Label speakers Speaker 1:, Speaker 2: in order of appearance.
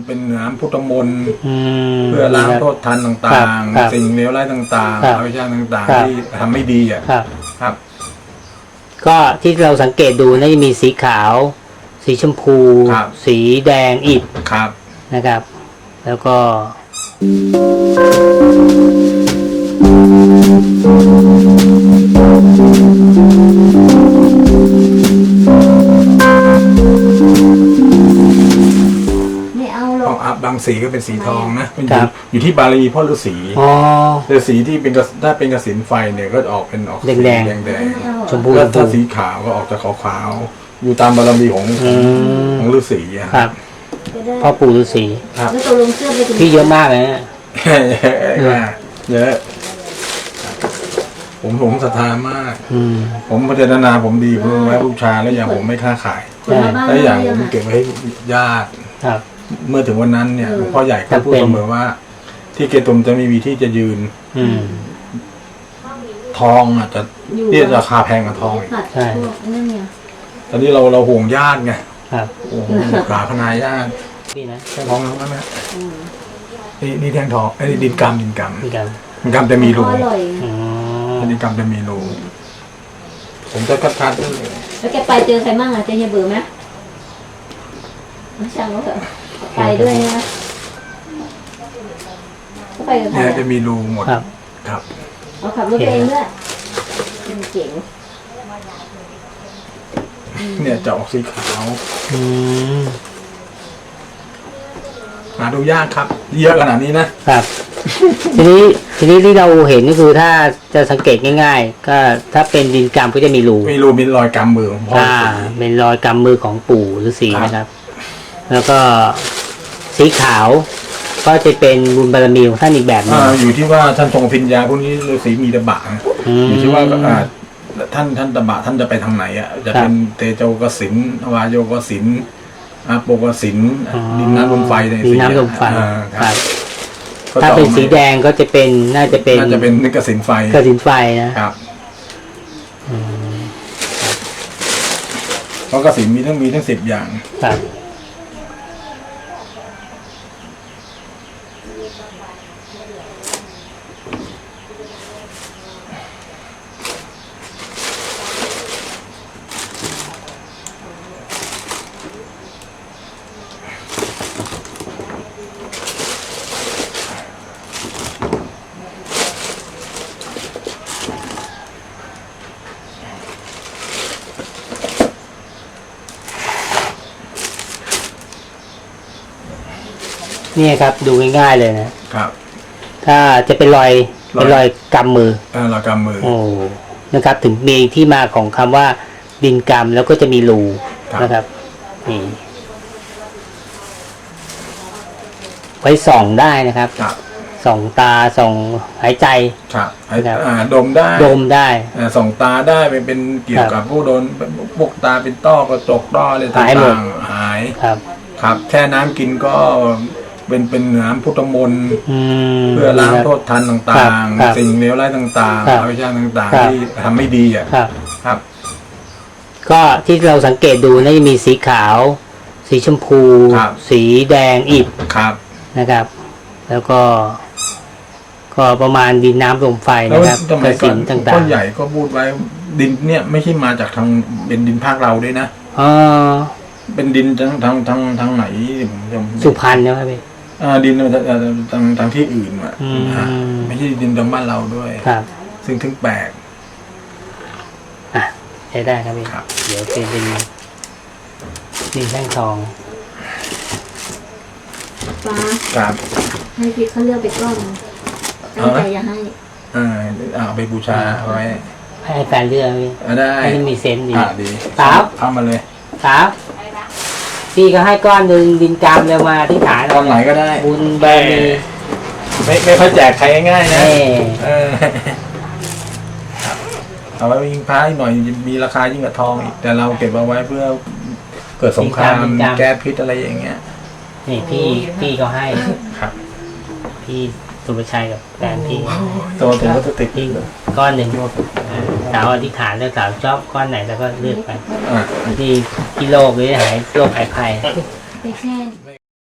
Speaker 1: เป็นน้ำพุทธมนต์เพื่อล้างโทษทันต่างๆสิ่งเลวร้ายต่างๆอวิชชาต่างๆที่ทำไม่ดีอ่ะครับ
Speaker 2: ก็ที่เราสังเกตดูน่าจะมีสีขาวสีชมพูสีแดงอิฐนะครับแล้วก็
Speaker 1: บางสีก็เป็นสีทองนะมันอยู่ที่บาลีพ่อฤาษีฤาษีที่เป็นถ้าเป็นกสิณไฟเนี่ยก็ออกเป็นออกแดง
Speaker 2: ชมพู
Speaker 1: ถ้าสีขาวก็ออกจะขาวๆอยู่ตามบารมีของฤาษี
Speaker 2: ครับพ่อปู่ฤาษี
Speaker 3: แล้วตัวลงเสื้อไปถึง
Speaker 2: พี่เยอะมากเลยนะ
Speaker 1: เยอะผมศรัทธามากผมพัฒนาผมดีผมไว้บูชาแล้วอย่างผมไม่ค้าขายแล้วอย่างผมเก็บไว้ให้ญาติเมื่อถึงวันนั้นเนี่ยหลวงพ่อใหญ่ก็พูดเสมอว่าที่เกตุมจะไม่มีที่จะยืนทองอาจจะเรียกราคาแพงกว่าทองอีก
Speaker 2: ใช่
Speaker 1: ตอนนี้เราห่วงญาติไงปราพนายญาติทองแล้วนะนี่แท่งทองไอ้ดินกรรมจะมีรูดินกรรมจะมีรูผมจะคัด
Speaker 3: แล้วแกไปเจอใครมั่งเจอเฮียเบื่อไหมไม่ใช่แล้วเหรอไปด้วยนะก็ไปกับใคร
Speaker 1: จะมีรูหมดครับ
Speaker 3: เอาขับรถเองด้วยเจ๋ง
Speaker 1: เนี่ยจะออกสีขาวหาดูยากครับเยอะขนาดนี้
Speaker 2: นะครับทีนี้ที่เราเห็นก็คือถ้าจะสังเกตง่ายๆก็ถ้าเป็นดินกรรมก็จะมีรู
Speaker 1: มีรอยกำมือของพ่อ
Speaker 2: เป็นรอยกำมือของปู่ฤาษีนะครับแล้วก็สีขาวก็จะเป็นบุญบารมีของท่านอีกแบบนึง
Speaker 1: อยู่ที่ว่าท่านทรงพิญญาพวกนี้ฤาษีมีตบะอยู่ที่ว่าท่านตบะท่านจะไปทางไหนอ่ะจะเป็นเตโจกสินวายโยกสินอาโปกสินดินน้ำลมไฟใน
Speaker 2: ดินน้ำลมไฟครับถ้าเป็นสีแดงก็จะเป็นน่าจะเป็น
Speaker 1: กสินไฟนะครับเพราะกสินมีทั้ง10 อย่าง
Speaker 2: ครับนี่ครับดูง่ายๆเลยนะครับถ้าจะเป็นรอยกำมือ
Speaker 1: รอยกำมือ
Speaker 2: โอ้นะครับถึงมีที่มาของคำว่าดินกำแล้วก็จะมีรูนะครับนี่ไว้ส่องได้นะครับส่องตาส่องหายใจ
Speaker 1: ดมได้ส่องตาได้เป็นเกี่ยวกับผู้โดนพวกตาเป็นต้อกระจกต้ออะไรต่างๆหายครับแค่น้ำกินก็เป็นน้ำพุทธมนต์เพื่อล้างโทษทันต่างๆสิ่งเลวร้ายต่างๆอวิชชาต่างๆที่ทำไม่ดีอ่ะครับ
Speaker 2: ก็ที่เราสังเกตดูน่าจะมีสีขาวสีชมพูสีแดงอิฐนะครับแล้วก็ประมาณดินน้ำลมไฟนะครับกระสินต่างๆ
Speaker 1: พ่อใหญ่ก็พูดไว้ดินเนี่ยไม่ใช่มาจากทางเป็นดินภาคเราด้วยนะเป็นดินทางไหน
Speaker 2: สุพรรณใช่ไหมพี่
Speaker 1: ดินทางที่อื่นอ่ะไม่ใช่ดินทางบ้านเราด้วยซึ่งถึงแปลก
Speaker 2: ใช้ได้ครับพี่เดี๋ยวเป็นดินแท่งทอง
Speaker 3: ฟ้าให้พี่เขาเลือกไปก้อนตั้งใจจะให้
Speaker 1: เอาไปบูชาไว้
Speaker 2: ให้แฟนเลือกพี่
Speaker 1: ได้
Speaker 2: ให้มีเซนส์ดี
Speaker 1: ครับเข้ามาเลย
Speaker 2: ครับพี่ก็ให้ก้อนหนึ่งดินกรรมเร็วมาที่ฐาน
Speaker 1: ก้อนไหนก็ได้
Speaker 2: บุญบารมี
Speaker 1: ไม่ค่อยแจกใครง่ายๆนะเอาไว้ยิงพระหน่อยมีราคายิ่งกว่าทองอีกแต่เราเก็บเอาไว้เพื่อเกิดสงครามแก้พิษอะไรอย่างเงี้ย
Speaker 2: นี่พี่ก็ให้ครับพี่สุภชัยกับแฟนพี่
Speaker 1: ตัวถึงก็ติด
Speaker 2: พี่ก้อนหนึ่งสาวอธิษฐานแล้วสาวชอบก้อนไหนแล้วก็เลือกไปที่โรคหรือหายโรคหายภัย